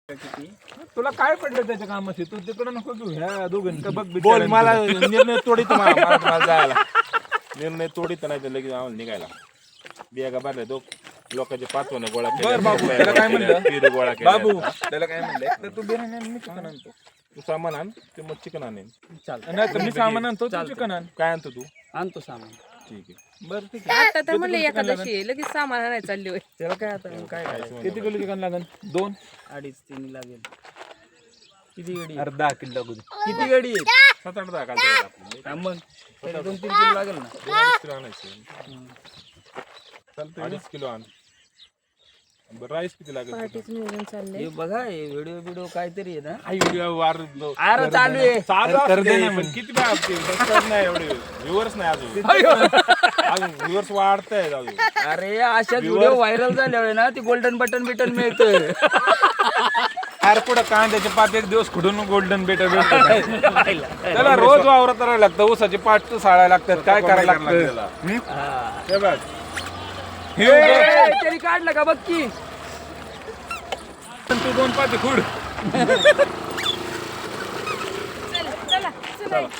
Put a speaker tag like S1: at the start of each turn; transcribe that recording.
S1: तुला काय पडलं त्याच्या कामाशी? तू तिकडे नको घेऊ ह्या दोघांनी बघ.
S2: बोल मला निर्णय तोडीत मला जायला निर्णय तोडीत नाही तर लगेच आम्हाला निघायला बिया भरल्या तो लोकांचे पाचवणे गोळा
S1: बर बाबू त्याला काय म्हणलं
S2: गोळा केला
S1: बाबू त्याला काय म्हणलं तर तू बिर्याणी आण, मी चिकन आणतो.
S2: तू सामान आण ते मग चिकन आणेन
S1: नाही तर मी सामान आणतो तू चिकन आण.
S2: काय आणतो तू
S3: आणतो सामान.
S2: ठीक आहे
S1: बरं ठीक आहे.
S4: आता तर म्हणले एकादशी आहे, लगेच सामान आणायला चालली होय.
S1: त्याला काय आता काय करायचं? किती किलो चिकन लागेल? 2
S3: 2.5-3 लागेल. किती गडी
S1: अरे 10 किलो लागू दे.
S3: किती गडी आहेत?
S2: 7-8 दहा कालचे
S3: हा मग तरी 2-3 किलो लागेल ना.
S2: 2 किलो आणायचे चालतं 2.5 किलो आण बरं राईस किती लागेल
S4: पार्टीच नियोजन चाललंय.
S3: हे बघा हे व्हिडिओ काहीतरी आहे ना.
S2: आई व्हिडिओ वार
S3: अरे चालू आहे.
S2: कर दे ना पण किती वेळा सबस्क्राईब नाही एवढे व्ह्यूअर्स नाही अजून अजून व्ह्यूअर्स वाढतायत अजून
S3: अरे अशा व्हिडिओ व्हायरल झाल्यावर ना ती गोल्डन बटन मिळतं.
S1: अरे पुढं कांद्याचे पात एक दिवस खुडून गोल्डन बेटर भेटत. त्याला रोज वावरात राहायला लागतं. ऊसाचे पाट साळायला लागतात. काय करायला लागतं?
S2: हे बघ
S3: तरी काढलं का बघ की.
S1: तू 2 पाते खुड.
S4: चला चला